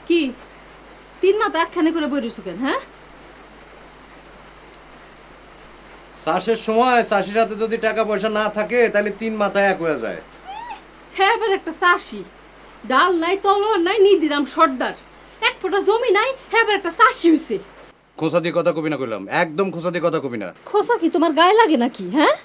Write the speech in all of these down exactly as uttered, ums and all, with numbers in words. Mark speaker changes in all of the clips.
Speaker 1: কি তিন মাথা একখানে করে বইরিস কেন? হ্যাঁ,
Speaker 2: চাষের সময় চাষির হাতে যদি টাকা পয়সা না থাকে তাহলে তিন মাথায় এক হয়ে যায়।
Speaker 1: হ্যাঁ, এবার একটা চাষি, ডাল নাই তলোয়ার নাই নিদিরাম সর্দার, এক ফোঁটা জমি নাই, হ্যাঁ এবার একটা চাষি হইছে।
Speaker 2: খোসা দিয়ে কথা কবি না কইলাম, একদম খোসা দিয়ে কথা কবি না।
Speaker 1: খোসা কি তোমার গায়ে লাগে নাকি? হ্যাঁ,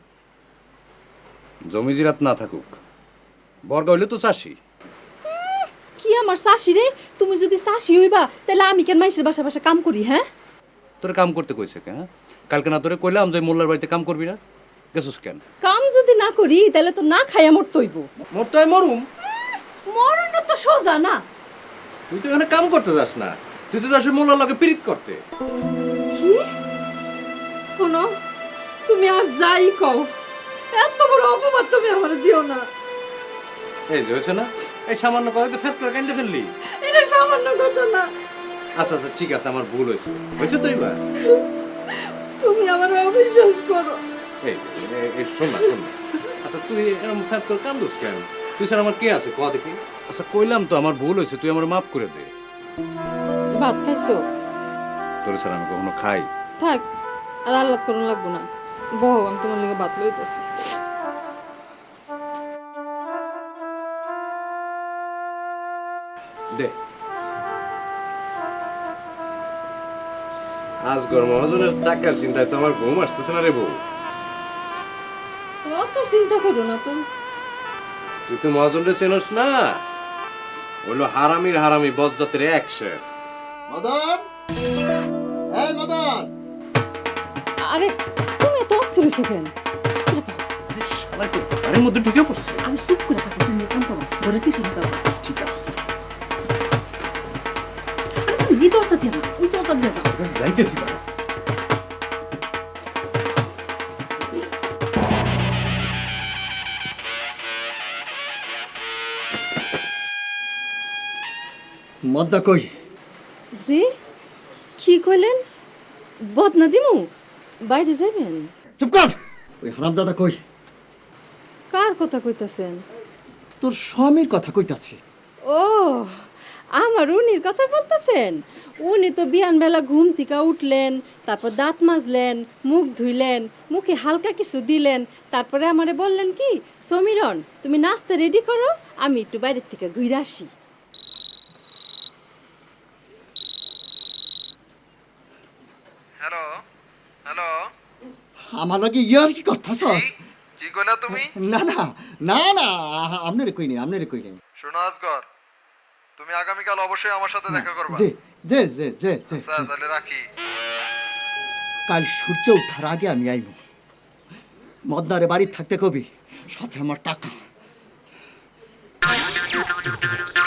Speaker 2: জমি জিরাত না থাকুক, বর্গা হইলে তো চাষি।
Speaker 1: কি আমার চাষি রে? তুমি যদি চাষি হইবা তাহলে আমি কেন মাইসের বাসা বাসা কাম করি? হ্যাঁ,
Speaker 2: তোরে কাম করতে কইছে কে? হ্যাঁ, কালকে না তোরে কইলাম যে মোল্লার বাড়িতে কাম করবি না, গেছস কেন?
Speaker 1: কাম যদি না করি তাহলে তো না খাইয়া মরতে হইব।
Speaker 2: মোর তো মরুম।
Speaker 1: মরণ তো সোজা না।
Speaker 2: তুই তো এখানে কাম করতে যাস না, তুই তো যাস ওই মোল্লার লগে পিরিত করতে।
Speaker 1: কি শোনো, তুমি আর যাই কও, এত বড় অপবাদ তুমি আমার দিও না।
Speaker 2: এই যে হয়েছে না, এই সামান্য কথা তো ফেত করে কান্দে ফেললি।
Speaker 1: এটা সামান্য কথা না।
Speaker 2: আচ্ছা আচ্ছা ঠিক আছে, আমার ভুল হয়েছে, হয়েছে তো এবার।
Speaker 1: তুমি আমার অবিশ্বাস করো।
Speaker 2: এই এই- এই শোন না শোন না। আচ্ছা তুই এরকম ফেত করে কান্দুস কেন? তুই স্যার আমার কে আছে কয়া দেখি। আচ্ছা কইলাম তো আমার ভুল হয়েছে, তুই আমার মাফ করে দে।
Speaker 1: ভাত খাইছো?
Speaker 2: তোর স্যার আমি কখনো খাই?
Speaker 1: থাক, আর আল্লাহ করুন লাগবো না। বহ, আমি তোমার লিগে ভাত লইতেছি।
Speaker 2: দে। আজ গরম মহাজনের টাকার চিন্তায় তো আমার ঘুম আসতেছে না রে বউ।
Speaker 1: অত চিন্তা করো না তো।
Speaker 2: তুই তো মহাজনরে চেনস না, হইলো হারামির হারামি বজ্জাতের একশে।
Speaker 3: মদন, এই মদন,
Speaker 1: আরে তুমি এত অস্থির হইছো কেন?
Speaker 2: শালা তো ঘরের মধ্যে ঢুকে পড়ছে।
Speaker 1: আমি চুপ করে থাকো, তুমি কাম করো, ঘরের পিছনে যাও।
Speaker 2: ঠিক আছে,
Speaker 1: আরে তুমি এই দরজা দিয়ে না, ওই দরজা দিয়ে যাও।
Speaker 2: যাইতেছি না।
Speaker 3: মদ্দা কই?
Speaker 1: জি, কি কইলেন? বদনা দিমু? বাইরে যাবেন?
Speaker 3: চুপ কর। ওই হারামজাদা কই?
Speaker 1: কার কথা কইতাছেন?
Speaker 3: তোর স্বামীর কথা কইতাছি।
Speaker 1: ও, আমার উনির কথা বলতেছেন? উনি তো বিয়ান বেলা ঘুম থেকে উঠলেন, তারপর দাঁত মাজলেন, মুখ ধুইলেন, মুখে হালকা কিছু দিলেন, তারপরে আমারে বললেন কি, সমীরণ তুমি নাস্তা রেডি করো, আমি একটু বাইরের থেকে ঘুরে আসি।
Speaker 4: হ্যালো হ্যালো,
Speaker 3: আমার লগে ইয়ার কি করতাছ?
Speaker 4: কি কি কইলা তুমি?
Speaker 3: না না না না, আপনারে কই নেই, আপনারে কই নেই।
Speaker 4: শোনো আজগর, তুমি আগামীকাল অবশ্যই আমার সাথে দেখা করবা।
Speaker 3: যে যে যে যে যে,
Speaker 4: আচ্ছা তাহলে রাখি।
Speaker 3: কাল সূর্য ওঠার আগে আমি আইব। মদনারে বাড়ি থাকতে কবি, সাথে আমার টাকা।